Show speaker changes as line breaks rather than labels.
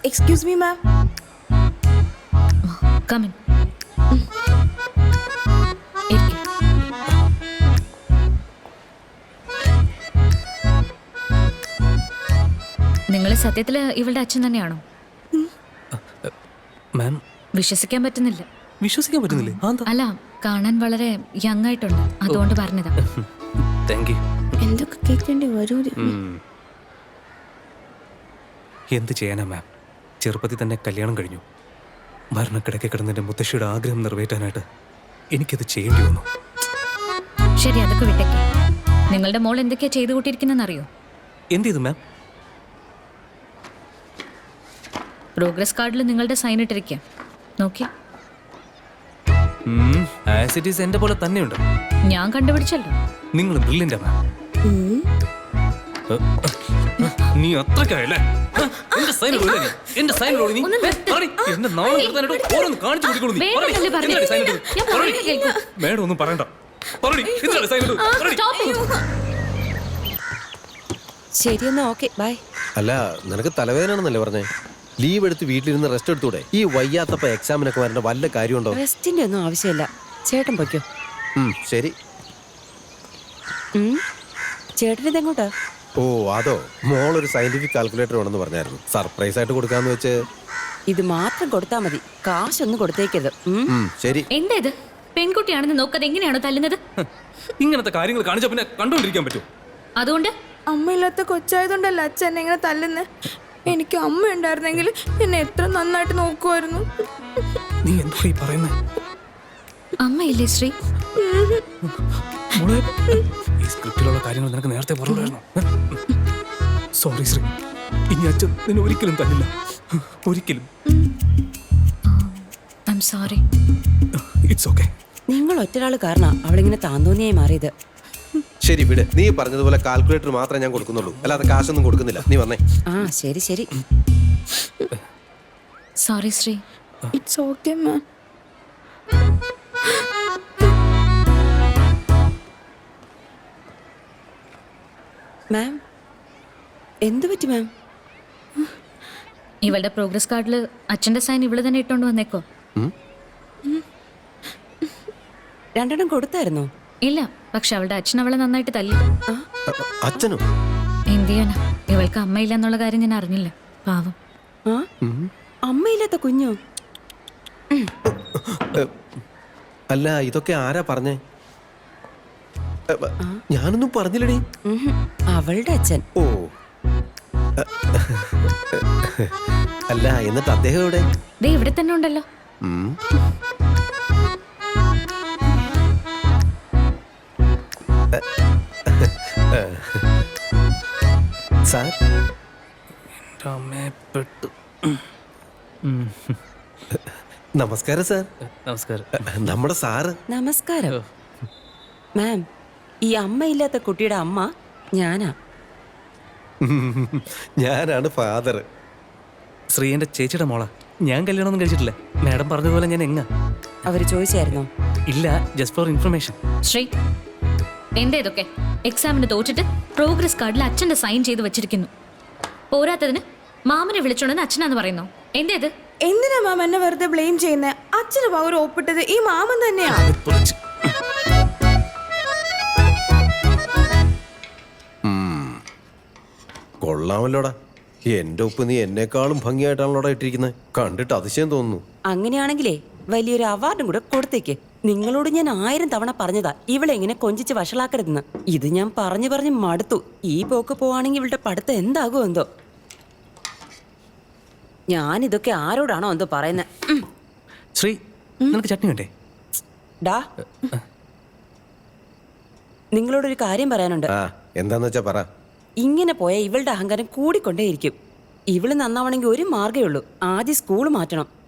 Excuse me ma'am.
Come in. നിങ്ങൾ സത്യത്തിൽ ഇവളുടെ അച്ഛൻ തന്നെയാണോ?
മാം
വിശ്വസിക്കാൻ പറ്റുന്നില്ല.
വിശ്വസിക്കാൻ പറ്റുന്നില്ലേ?
അല്ല, കാണാൻ വളരെ യങ് ആയിട്ടുണ്ട്, അതുകൊണ്ട് പറഞ്ഞതാ.
Thank you.
എന്തൊക്കെ കേൾക്കേണ്ടി വരൂ.
എന്ത് ചെയ്യാനാ മാം, ചെറുപ്പത്തിൽ തന്നെ കല്യാണം കഴിഞ്ഞു. മരണക്കിടക്കെ കിടന്നെൻ്റെ മുത്തശ്ശിയുടെ ആഗ്രഹം നിറവേറ്റാനായിട്ട് എനിക്കത് ചെയ്യേണ്ടി വന്നു.
ശരി, അതൊക്കെ വിട്ടേക്ക്. നിങ്ങളുടെ മോൾ എന്തൊക്കെയാ ചെയ്തു കൂട്ടിയിരിക്കുന്നറിയോ?
എന്ത് ചെയ്തു മാം?
പ്രോഗ്രസ് കാർഡിൽ നിങ്ങളുടെ സൈൻ ഇട്ടിരിക്കുക, നോക്കി.
ആസ് ഇറ്റ് ഈസ് എന്റെ പോലെ തന്നെയുണ്ട്.
ഞാൻ കണ്ടുപിടിച്ചല്ലോ.
നിങ്ങൾ ബ്രില്യൻ്റാ മാം. നീ അത്രക്കായല്ലേ? എന്റെ സൈൻ ഇടൂ, എന്റെ സൈൻ ഇടൂ. നീ എന്റെ നാളെ ഓരോന്ന് കാണിച്ചു കൊടുക്കണു. മേഡം ഒന്നും പറയണ്ട.
ശരിയെന്നാ, ഓക്കെ ബൈ.
അല്ല, നിനക്ക് തലവേദനയാണെന്നല്ലേ പറഞ്ഞേ? ലീവ് എടുത്ത് വീട്ടിലിരുന്ന് റെസ്റ്റ് എടുത്തൂടെ? ഈ വയ്യാത്തപ്പ എക്സാമിനൊക്കെ വരേണ്ട വല്ല കാര്യമുണ്ടോ?
റെസ്റ്റിന്റെ ഒന്നും ആവശ്യമില്ല. ചേട്ടൻ പൊയ്ക്കോ.
ശരി.
ചേട്ടനിതെങ്ങോട്ടാ?
ഓ അതോ, മോളൊരു സയന്റിഫിക് കാൽക്കുലേറ്റർ വേണമെന്ന് പറഞ്ഞായിരുന്നു. സർപ്രൈസ് ആയിട്ട് കൊടുക്കാന്ന് വെച്ച്.
ഇത് മാത്രം കൊടുത്താ മതി, കാശൊന്നും കൊടുത്തേക്കരുത്.
ശരി.
എന്താ ഇത്? പെൺകുട്ടിയാണെന്ന് നോക്കാതെ എങ്ങനെയാണോ തല്ലുന്നത്?
ഇങ്ങനത്തെ കാര്യങ്ങൾ കാണിച്ചാ പിന്നെ കണ്ടുകൊണ്ടിരിക്കാൻ പറ്റും.
അതുകൊണ്ട്
അമ്മയില്ലാത്ത കൊച്ചായതുകൊണ്ടല്ല അച്ഛൻ എന്നെ ഇങ്ങനെ തല്ലുന്നത്. എനിക്ക് അമ്മ ഉണ്ടായിരുന്നെങ്കിൽ എന്നെ എത്ര നന്നായിട്ട് നോക്കുമായിരുന്നു.
നീ എന്താ ഈ പറയുന്നത്?
അമ്മയില്ലേ ശ്രീ?
ഈ സ്ക്രിപ്റ്റിലുള്ള കാര്യങ്ങൾ നിനക്ക് നേരത്തെ പറഞ്ഞായിരുന്നു. സോറി ശ്രീ, ഇനി അച്ഛൻ നിന്നെ ഒരിക്കലും തന്നില്ല, ഒരിക്കലും.
I am sorry.
It's okay.
നിങ്ങൾ ഒറ്റരാള് കാരണം അവളിങ്ങനെ താന്തോന്നിയായി മാറിയത്.
ശരി വിട്. നീ പറഞ്ഞതുപോലെ കാൽക്കുലേറ്റർ മാത്രമേ ഞാൻ കൊടുക്കുന്നുള്ളൂ, അല്ലാതെ കാശൊന്നും കൊടുക്കുന്നില്ല. നീ വന്നേ.
ശരി ശരി.
Sorry Sree.
It's okay ma'am.
Ma'am, എന്തു പറ്റി മാം?
ഇവളുടെ പ്രോഗ്രസ് കാർഡിൽ അച്ഛന്റെ സൈൻ ഇവള് തന്നെ ഇട്ടോണ്ട് വന്നേക്കോ?
രണ്ടെണ്ണം കൊടുത്തായിരുന്നോ?
ഇല്ല, പക്ഷെ അവളുടെ അച്ഛൻ അവളെ നന്നായിട്ട് തല്ലി.
അച്ഛനോ?
എന്ത് ചെയ്യാനാ, ഇവൾക്ക് അമ്മയില്ല എന്നുള്ള കാര്യം ഞാൻ അറിഞ്ഞില്ല, പാവം.
അമ്മയില്ലാത്ത കുഞ്ഞോ?
അല്ല, ഇതൊക്കെ ആരാ പറഞ്ഞേ? ഞാനൊന്നും പറഞ്ഞില്ലടി.
അവളുടെ അച്ഛൻ.
ഓ അല്ല, എന്നിട്ട് അദ്ദേഹം എവിടെ?
ദേ ഇവിടെ തന്നെ ഉണ്ടല്ലോ.
സാർ, നമസ്കാരം സാർ.
നമസ്കാരം.
നമ്മുടെ സാറ്.
നമസ്കാരം മാം. ഈ അമ്മയില്ലാത്ത കുട്ടിയുടെ അമ്മ ഞാനാ.
ഞാനാണ് ഫാദർ.
ശ്രീ എന്റെ ചേച്ചിയുടെ മോളാ. ഞാൻ കല്യാണമൊന്നും കഴിച്ചിട്ടില്ല. മാഡം പറഞ്ഞതുപോലെ ഞാൻ എങ്ങ.
അവര് ചോദിച്ചായിരുന്നോ?
ഇല്ല, ജസ്റ്റ് ഫോർ ഇൻഫർമേഷൻ.
ശ്രീ, എന്താ ഇതൊക്കെ? എക്സാമിന് തോറ്റിട്ട് പ്രോഗ്രസ് കാർഡിൽ അച്ഛന്റെ സൈൻ ചെയ്ത് വെച്ചിരിക്കുന്നു. പോരാത്തതിന് മാമനെ വിളിച്ചോണ്ടെന്ന് അച്ഛനാന്ന് പറയുന്നു. എന്താ ഇത്?
എന്തിനാ മാം എന്നെ വെറുതെ ബ്ലെയിം ചെയ്യുന്നത്? അച്ഛന് പവർ ഒപ്പിട്ടത് ഈ മാമൻ തന്നെയാ.
കൊള്ളാമല്ലോടാ. എന്റെ ഒപ്പ് നീ എന്നെക്കാളും ഭംഗിയായിട്ടാണല്ലോടാ ഇട്ടിരിക്കുന്നത്. കണ്ടിട്ട് അതിശയം തോന്നുന്നു.
അങ്ങനെയാണെങ്കിലേ വലിയൊരു അവാർഡും കൂടെ കൊടുത്തേക്ക്. നിങ്ങളോട് ഞാൻ 1000 തവണ പറഞ്ഞതാ ഇവളെ ഇങ്ങനെ കൊഞ്ചിച്ച് വഷളാക്കരുതെന്ന്. ഇത് ഞാൻ പറഞ്ഞു പറഞ്ഞ് മടുത്തു. ഈ പോക്ക് പോവാണെങ്കിൽ ഇവളുടെ പഠിത്തം എന്താകുമോ എന്തോ. ഞാനിതൊക്കെ ആരോടാണോ എന്തോ പറയുന്നത്.
ശ്രീ, നിനക്ക് ചട്നി വേണ്ടേ?
ഡാ, നിങ്ങളോടൊരു കാര്യം പറയാനുണ്ട്.
എന്താന്ന് വെച്ചാ പറ.
ഇങ്ങനെ പോയാൽ ഇവളുടെ അഹങ്കാരം കൂടിക്കൊണ്ടേയിരിക്കും. ഇവള് നന്നാവണമെങ്കിൽ ഒരു മാർഗ്ഗേ ഉള്ളൂ. ആദ്യം സ്കൂൾ മാറ്റണം.